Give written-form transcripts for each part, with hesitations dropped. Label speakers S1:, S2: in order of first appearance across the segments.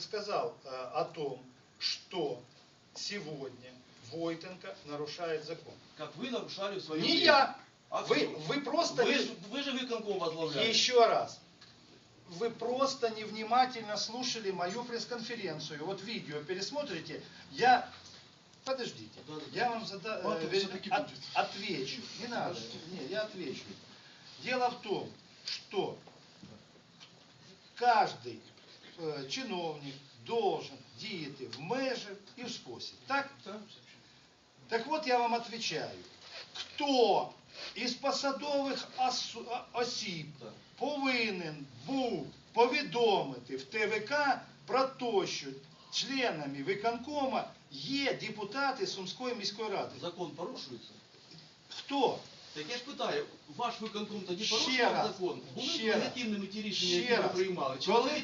S1: сказал о том, что сегодня Войтенко нарушает закон.
S2: Как вы нарушали в своем
S1: Не
S2: время.
S1: я.
S2: А
S1: Вы просто...
S2: Вы же выконком возглавляли.
S1: Еще раз. Вы просто невнимательно слушали мою пресс-конференцию. Вот видео пересмотрите. Подождите. Я вам отвечу. Не надо. Нет, я отвечу. Дело в том, что каждый чиновник должен діяти в межах і в спосіб. Так? Так от я вам отвечаю. Хто із посадових осіб повинен був повідомити в ТВК про те, що членами виконкома є депутати Сумської міської ради?
S2: Закон порушується?
S1: Хто?
S2: Так я ж питаю, ваш виконком тоді порушував закон? Були легітимними ті рішення, які ви приймали?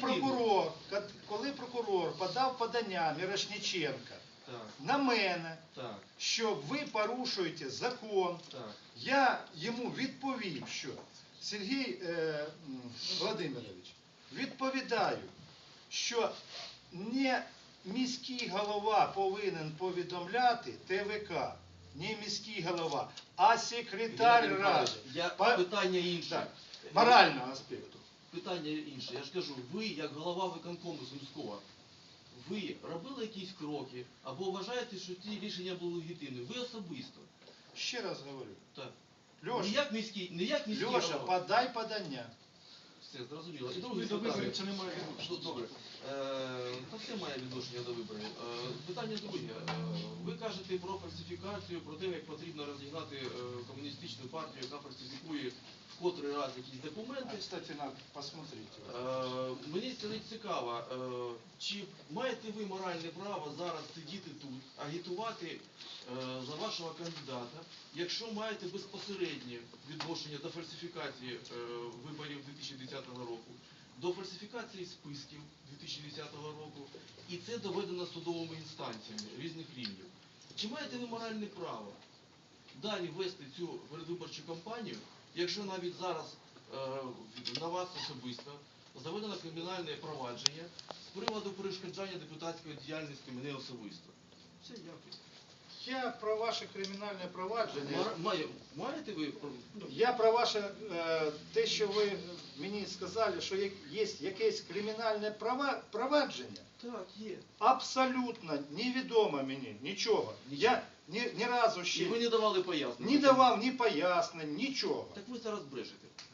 S1: Коли прокурор подав подання Мірошниченка на мене, що ви порушуєте закон, я йому відповів, що Сергій Володимирович, відповідаю, що не міський голова повинен повідомляти ТВК, не міський голова, а секретар ради.
S2: Питання інше.
S1: Морального аспекту.
S2: Питання інше. Я ж кажу, ви, як голова виконкому Сумського, ви робили якісь кроки, або вважаєте, що ті рішення були легітимні? Ви особисто.
S1: Ще раз говорю.
S2: Так.
S1: Льоша,
S2: не як міський
S1: Льоша,
S2: голова.
S1: подай подання.
S2: Все, зрозуміло. І друге питання. Це не має відношення. Добре. Та все має відношення до виборів. Питання друге. Ви кажете про фальсифікацію, про те, як потрібно розігнати комуністичну партію, яка фальсифікує в котрий раз якісь документи.
S1: Кстати, надо посмотреть.
S2: Мені цікаво, чи маєте ви моральне право зараз сидіти тут, агітувати за вашого кандидата, якщо маєте безпосереднє відношення до фальсифікації виборів 2010 року, до фальсифікації списків 2010 року, і це доведено судовими інстанціями різних рівнів. Чи маєте ви моральне право далі вести цю передвиборчу кампанію, якщо навіть зараз на вас особисто заведено кримінальне провадження з приводу перешкоджання депутатської діяльності мене особисто? Все, дякую.
S1: Я про ваше кримінальне провадження...
S2: Маєте ви?
S1: Я про ваше, те, що ви мені сказали, що є якесь кримінальне провадження.
S2: Так, є.
S1: Абсолютно невідомо мені нічого. Я ні разу ще...
S2: І ви не давали пояснень?
S1: Не давав ні пояснень, нічого.
S2: Так ви зараз брешете.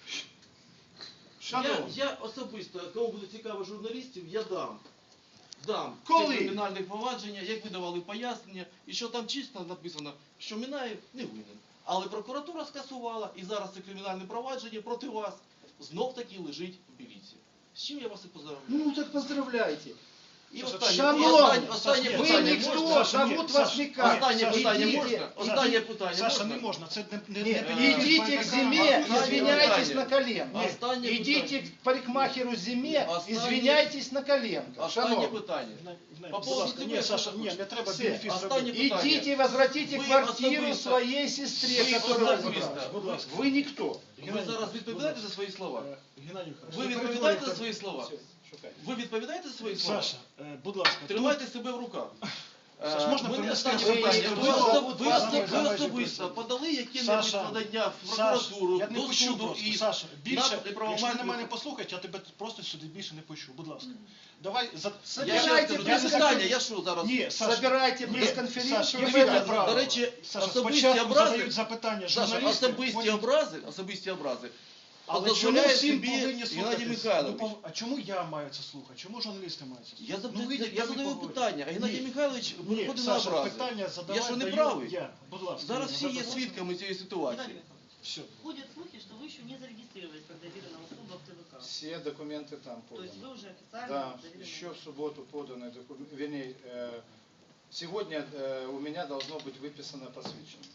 S1: Шановні.
S2: Я особисто, кому буде цікаво журналістів, я дам
S1: Коли?
S2: це кримінальне провадження, як ви давали пояснення, і що там чисто написано, що Мінаєв не винен. Але прокуратура скасувала, і зараз це кримінальне провадження проти вас знов таки лежить в міліції. З чим я вас і поздравляю.
S1: Ну так поздравляйте.
S2: І
S1: останнє
S2: питання
S1: ніхто, зовут вас никак.
S2: Останнє питання можна? Останнє питання
S3: Саша,
S2: можна?
S3: не можна. Це не
S1: Идите к Зиме, извиняйтесь на колено.
S2: Останнє
S1: Идите к парикмахеру Зиме, извиняйтесь на колено.
S2: Останнє питання.
S3: Будь ласка, ні, Саша, ні, не треба бенефіс
S2: Останнє
S3: робити.
S2: питання.
S1: Идите и возвратите
S2: Вы
S1: квартиру
S2: особисто-
S1: своей сестре,
S2: Вы
S1: которая
S2: особисто.
S1: забрала.
S3: Будь ласка.
S1: Вы никто.
S2: Ви зараз відповідаєте за свої слова?
S3: Геннадій Михайлович,
S2: Ви
S3: не
S2: відповідаєте за
S3: перетворюйте-
S2: свої слова?
S1: Все, шукай.
S2: Ви відповідаєте за свої слова?
S3: Саша, будь ласка.
S2: Тримайте себе в руках.
S3: Саш, можна
S2: Мене
S3: принести
S2: останнє
S3: особисто?
S2: питання. Ви
S3: Ви
S2: особисто подали які-небудь
S3: Саша,
S2: подання в
S3: Саша,
S2: прокуратуру,
S3: я не
S2: до
S3: почув
S2: суду
S3: просто.
S2: і
S3: Саша, більше,
S2: на
S3: якщо ти
S2: неправомірну-
S3: на мене послухаєш, я тебе просто сюди більше не почув. Будь ласка. Давай,
S2: Я ще
S1: Собирайте
S2: раз кажу, це
S1: пресс-конференцію.
S2: питання, я що зараз?
S3: Ні, Саша,
S1: Собирайте
S3: ні,
S1: пресс-конференцію.
S3: Саша,
S1: и
S3: я
S1: вы
S3: вибрав
S1: там.
S3: право.
S2: До речі,
S3: Саша,
S2: особисті
S3: спочатку
S2: образи,
S3: задають запитання
S2: Саша,
S3: журналісти.
S2: особисті образи.
S3: Але чому
S2: дозволяє
S3: всім
S2: собі
S3: повинні
S2: Геннадій
S3: слухати?
S2: Михайлович.
S3: А чому я маю це слухати? Чому журналісти мають це слухати?
S2: Я задаю питання, а Геннадій Михайлович
S3: Ні,
S2: виходить на
S3: Саша,
S2: образи.
S3: питання задавати
S2: Я що не
S3: даю
S2: правий?
S3: я. Будь ласка.
S2: Зараз всі є
S3: задавайте.
S2: свідками цієї ситуації.
S3: Все.
S4: Ходят слухи, что вы еще не зарегистрировались как доверенная услуга в ТВК.
S1: Все документы там
S4: То есть
S1: поданы.
S4: вы уже официально
S1: Да,
S4: доверенная
S1: еще в субботу поданы документы. Вернее, сегодня у меня должно быть выписано посвящение.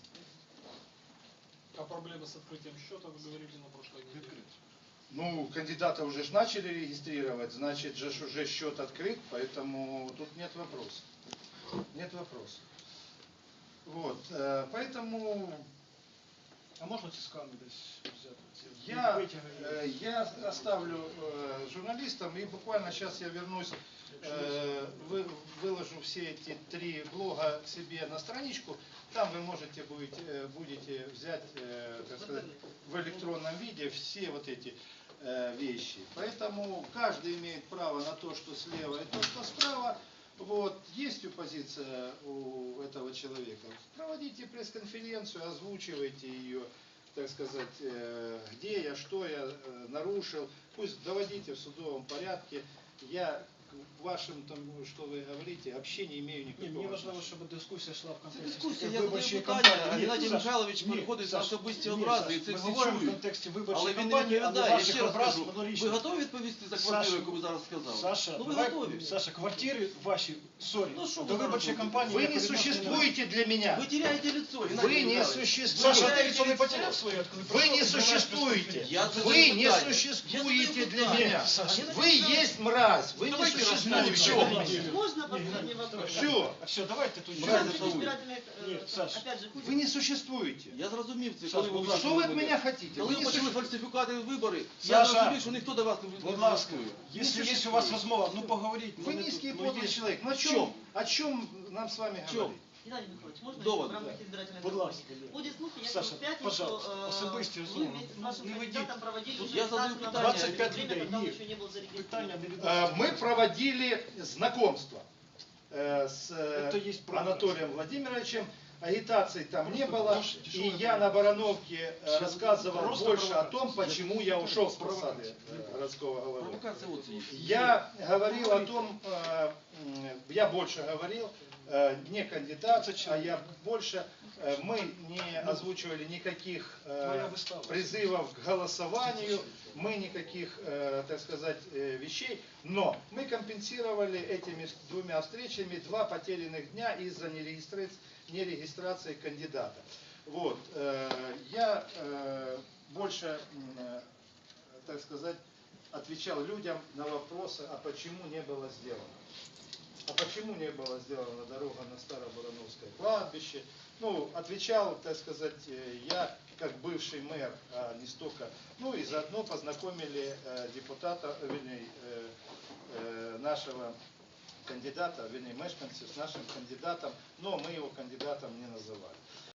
S5: А проблемы с открытием счета, вы говорили на прошлой неделе?
S1: Ну, кандидата уже ж начали регистрировать, значит же ж уже счет открыт, поэтому тут нет вопросов. Нет вопросов. Вот, поэтому...
S3: А можна ці скани десь взяти?
S1: Я оставлю журналистам, и буквально сейчас я вернусь, выложу все эти 3 блога себе на страничку. Там вы можете будете взять, так сказать, в электронном виде все вот эти вещи. Поэтому каждый имеет право на то, что слева и то, что справа. Вот, есть оппозиция у этого человека. Проводите пресс-конференцию, озвучивайте ее, так сказать, где я, что я нарушил. Пусть доводите в судовом порядке. Я к вашим, тому, что вы говорите, вообще не имею
S3: Ні,
S1: никакого
S3: мені важливо,
S1: отношения.
S3: щоб дискусія йшла в
S2: Це
S3: контексті
S2: дискусія, я
S3: виборчої
S2: задаю питання,
S3: кампанії.
S2: а
S3: Ні,
S2: Геннадій
S3: Саш,
S2: Михайлович
S3: ні,
S2: переходить на
S3: Саш,
S2: особисті
S3: ні,
S2: образи,
S3: Саш,
S2: і це
S3: ми
S2: всі
S3: говоримо в
S2: чують.
S3: контексті виборчої
S2: Але він не
S3: кампанії, але
S2: відповідає, я
S3: ваших
S2: ще раз
S3: образ
S2: кажу,
S3: однорічно.
S2: ви готові відповісти за квартиру, яку ви зараз сказали?
S3: Саша,
S2: Ну ви
S3: давай,
S2: готові.
S3: Саша, квартири ваші, сорі,
S2: Ну, що ви
S3: до
S2: зараз
S3: виборчої
S2: робите?
S3: кампанії...
S1: Вы не
S3: ніякого відношення
S1: существуете для меня.
S2: Ви теряєте лицо, Геннадій
S1: Вы не
S2: Михайлович.
S1: существуете.
S3: Саша, ти лицо не потеряв своє?
S1: Вы не существуете.
S2: Я задаю
S1: Вы не
S2: питання.
S1: существуете
S2: Я
S1: для
S2: задаю
S1: меня.
S2: питання.
S3: Саша,
S1: Вы есть мразь. Вы не
S2: Давайте
S1: существуете
S2: расскажем,
S1: для
S2: в чем.
S1: меня.
S4: Можно последний вопрос?
S1: Все.
S3: Все, давайте тут...
S2: Мразь
S4: Насчет
S2: это вы.
S4: избирательных,
S3: Нет, Саш,
S4: опять же,
S1: Вы не существуете.
S2: Я зрозумів це,
S3: Саш,
S2: коли ви
S3: будь ласка,
S1: Что вы от
S2: вибори.
S1: меня хотите?
S2: Коли
S1: Вы
S2: ви
S1: не
S2: почали
S1: существуете.
S2: фальсифікати вибори, я
S3: Саша,
S2: зрозумів, що ніхто до вас не
S3: будь ласка,
S2: голосує.
S3: якщо є у
S1: существует.
S3: вас розмова, ну поговоріть.
S1: Вы низкий и подлый
S3: є.
S1: человек. Ну
S2: чем?
S1: о чем нам с вами
S2: чем?
S1: говорить?
S4: Геннадий Михайлович, можно
S2: Довод,
S4: в рамках
S2: да.
S4: избирательной
S3: Будь ласка,
S4: кампании?
S3: да.
S4: Ходят слухи,
S3: Саша,
S4: якобы в пятницу
S3: пожалуйста, особисті
S4: вы
S3: розмови.
S4: вместе с вашим
S3: Не ведіть.
S4: кандидатом проводили уже
S2: Я задаю
S4: агитацию на
S2: питання.
S4: выборах,
S3: 25
S4: время,
S3: людей,
S4: когда он
S3: ні.
S4: еще не был
S3: Питання
S4: зарегистрирован.
S3: не відноситься.
S1: Мы проводили знакомство с
S3: Это есть право.
S1: Анатолием Владимировичем. Агитации там не
S3: Просто
S1: было.
S3: просто
S1: И
S3: тяжелая
S1: я на Барановке
S3: Просто
S1: рассказывал больше о
S3: провокация.
S1: том, почему я ушел с посады
S3: Провокация.
S1: городского головы.
S2: Провокація оце є.
S1: Я говорил о том, я больше говорил, не кандидат, а я больше, мы не озвучивали никаких
S3: Твоя выстава.
S1: призывов к голосованию, мы никаких, так сказать, вещей, но мы компенсировали этими 2 встречами 2 потерянных дня из-за нерегистрации кандидата. Вот, я больше, так сказать, отвечал людям на вопросы, а почему не было сделано. А почему не была сделана дорога на Старобарановское кладбище? Ну, отвечал, так сказать, я как бывший мэр, а не столько. Ну и заодно познакомили депутата, вернее, нашего кандидата, вернее, мешканцев с нашим кандидатом, но мы его кандидатом не называли.